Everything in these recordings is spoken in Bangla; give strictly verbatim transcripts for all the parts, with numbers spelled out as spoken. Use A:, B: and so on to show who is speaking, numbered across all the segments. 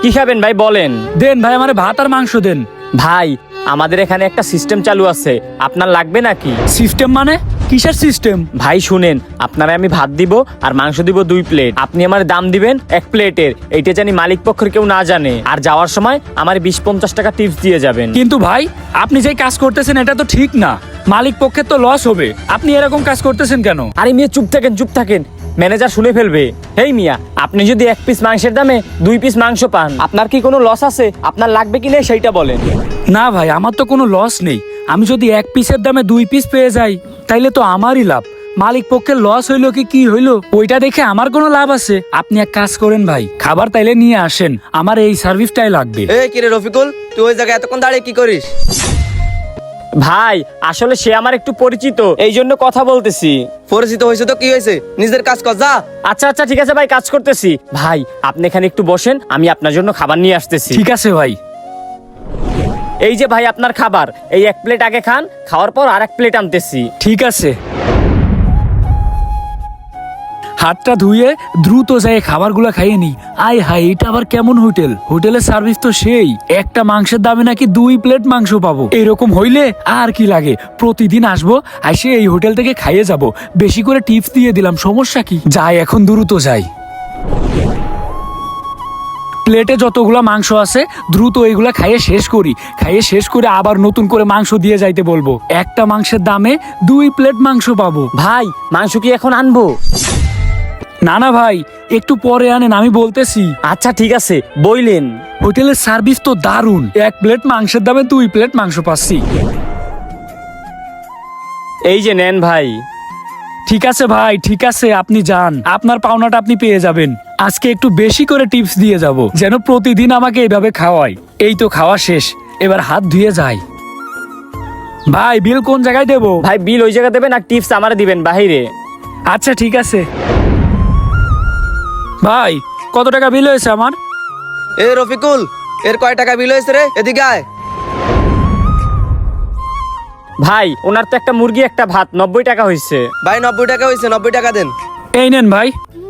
A: কি খাবেন ভাই বলেন?
B: দেন ভাই, আমারে ভাত আর মাংস দেন।
A: ভাই আমাদের এখানে একটা সিস্টেম চালু আছে, আপনার লাগবে নাকি?
B: সিস্টেম মানে? কিসের সিস্টেম?
A: ভাই শুনেন, আপনারা আমি ভাত দিব আর মাংস দিব দুই প্লেট। আপনি আমার দাম দিবেন এক প্লেটের, এইটা জানি মালিক পক্ষের কেউ না জানে। আর যাওয়ার সময় আমার বিশ পঞ্চাশ টাকা টিপস দিয়ে যাবেন।
B: কিন্তু ভাই, আপনি যে কাজ করতেছেন এটা তো ঠিক না। মালিক পক্ষের তো লস হবে, আপনি এরকম কাজ করতেছেন কেন?
A: আরে মিয়া চুপ থাকেন, চুপ থাকেন, ম্যানেজার শুনে ফেলবে। হেই মিয়া, আপনি যদি এক পিস মাংসের দামে দুই পিস মাংস পান, আপনার কি কোনো লস আছে? আপনার লাগবে কি না সেইটা বলেন।
B: না ভাই, আমার তো কোনো লস নেই। আমি যদি এক পিসের দামে দুই পিস পেয়ে যাই তাইলে তো আমারই লাভ। মালিক পক্ষের লস হইলো কি কি হইলো ওইটা দেখে আমার কোনো লাভ আছে? আপনি এক কাজ করেন ভাই, খাবার তাইলে নিয়ে আসেন, আমার এই সার্ভিসটাই লাগবে।
C: এই কিরে রফিকুল, তুই ওই জায়গায় এতক্ষণ দাঁড়িয়ে কি করিস?
A: ভাই আসলে সে আমার একটু পরিচিত, এই জন্য কথা বলতেছি।
C: পরিচিত হয়েছে তো কি হয়েছে, নিজের কাজ কর যা।
A: আচ্ছা আচ্ছা ঠিক আছে ভাই, কাজ করতেছি। ভাই আপনি এখানে একটু বসেন, আমি আপনার জন্য খাবার নিয়ে আসতেছি।
B: ঠিক আছে ভাই।
A: এই যে ভাই আপনার খাবার, এই এক প্লেট আগে খান, খাওয়ার পর আর এক প্লেট আনতেছি।
B: ঠিক আছে। হাতটা ধুয়ে দ্রুত যাই খাবারগুলো খাইয়ে নি। আয় হাই, এটা আবার কেমন হোটেল? হোটেলের সার্ভিস তো সেই, একটা মাংসের দামে নাকি দুই প্লেট মাংস পাবো। এরকম হইলে আর কি লাগে, প্রতিদিন আসবো, আসে এই হোটেল থেকে খাইয়ে যাব। বেশি করে টিপস দিয়ে দিলাম, সমস্যা কি? যাই এখন, দ্রুত যাই। প্লেটে যতগুলা মাংস আছে দ্রুত এইগুলা খাইয়ে শেষ করি। খাইয়ে শেষ করে আবার নতুন করে মাংস দিয়ে যাইতে বলবো। একটা মাংসের দামে দুই প্লেট মাংস পাবো।
A: ভাই মাংস কি এখন আনবো?
B: না না ভাই, একটু পরে আনেন, আমি বলতেছি।
A: আচ্ছা ঠিক আছে, বইলেন।
B: হোটেলের সার্ভিস তো দারুণ, এক প্লেট মাংসের দামে দুই প্লেট মাংস পাচ্ছি।
A: এই যে নেন ভাই।
B: ঠিক আছে ভাই, ঠিক আছে, আপনি যান, আপনার পাওনাটা আপনি পেয়ে যাবেন। আজকে একটু বেশি করে টিপস দিয়ে যাব, যেন প্রতিদিন আমাকে এইভাবে খাওয়ায়। এই তো খাওয়া শেষ, এবার হাত ধুয়ে যাই। ভাই বিল কোন জায়গায় দেবো?
A: ভাই বিল ওই জায়গা দেবেন আর টিপস আমারে দিবেন বাহিরে।
B: আচ্ছা ঠিক আছে। ভাই কত টাকা বিল হয়েছে আমার?
C: এ রফিকুল, এর কয় টাকা বিল হয়েছে রে? এদিকে আয়।
A: ভাই ওনার তো একটা মুরগি একটা ভাত নব্বই টাকা হয়েছে।
C: ভাই নব্বই টাকা হয়েছে, নব্বই টাকা দেন।
B: এই নেন ভাই।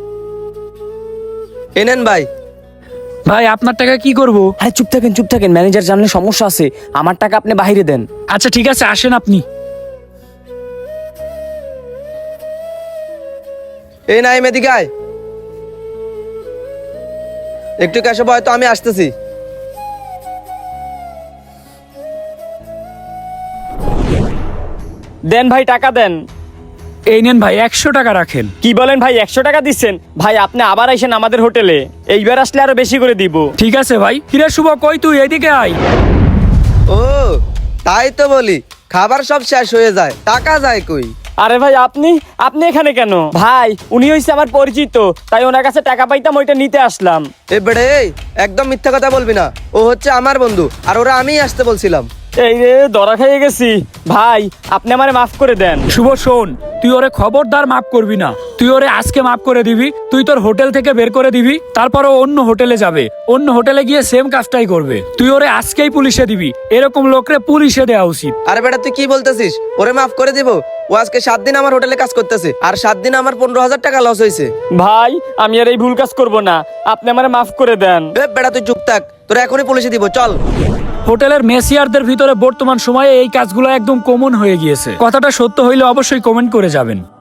C: এ নেন ভাই।
B: ভাই আপনার টাকা কি করব?
A: আরে চুপ থাকেন, চুপ থাকেন, ম্যানেজার জানলে সমস্যা আছে। আমার টাকা আপনি বাহিরে দেন।
B: আচ্ছা ঠিক আছে, আসেন আপনি।
C: এই না, এদিকে আয়। একটু ক্যাশে বয় তো, আমি আসতেছি।
A: দেন ভাই, টাকা দেন।
B: এই নেন ভাই, একশো টাকা রাখেন।
A: কি বলেন ভাই, একশো টাকা দিচ্ছেন? ভাই আপনি আবার আইসেন আমাদের হোটেলে, এইবার আসলে আরো বেশি করে দিব।
B: ঠিক আছে ভাই। কিরে শুভ, কই তুই? এদিকে আয়।
C: ও তাই তো বলি, খাবার সব শেষ হয়ে যায়, টাকা যায় কই?
A: আরে ভাই আপনি আপনি এখানে কেন? ভাই উনি হইছে আমার পরিচিত, তাই ওনার কাছে টাকা পাইতাম, ওইটা নিতে আসলাম।
C: এ বেড়ে, একদম মিথ্যা কথা বলবি না। ও হচ্ছে আমার বন্ধু, আর ওরা আমিই আসতে বলছিলাম।
A: এই রে ধরা খেয়ে গেছি। ভাই আপনি আমারে মাফ করে দেন।
B: শুভ শোন, তুই ওরে খবরদার মাফ করবি না। তুই ওরে আজকে মাফ করে দিবি, তুই তোর হোটেল থেকে বের করে দিবি, তারপর ও অন্য হোটেলে যাবে, অন্য হোটেলে গিয়ে সেম কাজটাই করবে। তুই ওরে আজকেই পুলিশে দিবি, এরকম লোকরে পুলিশে দেওয়া উচিত।
C: আরে বেটা তুই কি বলতেছিস? ওরে মাফ করে দিব? ও আজকে সাত দিন আমার হোটেলে কাজ করতেছে, আর সাত দিন আমার পনেরো হাজার টাকা লস হয়েছে।
A: ভাই আমি আর এই ভুল কাজ করব না, আপনি আমারে মাফ করে দেন।
C: এ বেটা তুই চুপ থাক, তোরা এখনই পুলিশে দিব, চল।
B: হোটেলের মেসিয়ারদের ভিতরে বর্তমান সময়ে এই কাজগুলো একদম কমন হয়ে গিয়েছে। কথাটা সত্য হইলে অবশ্যই কমেন্ট করে যাবেন।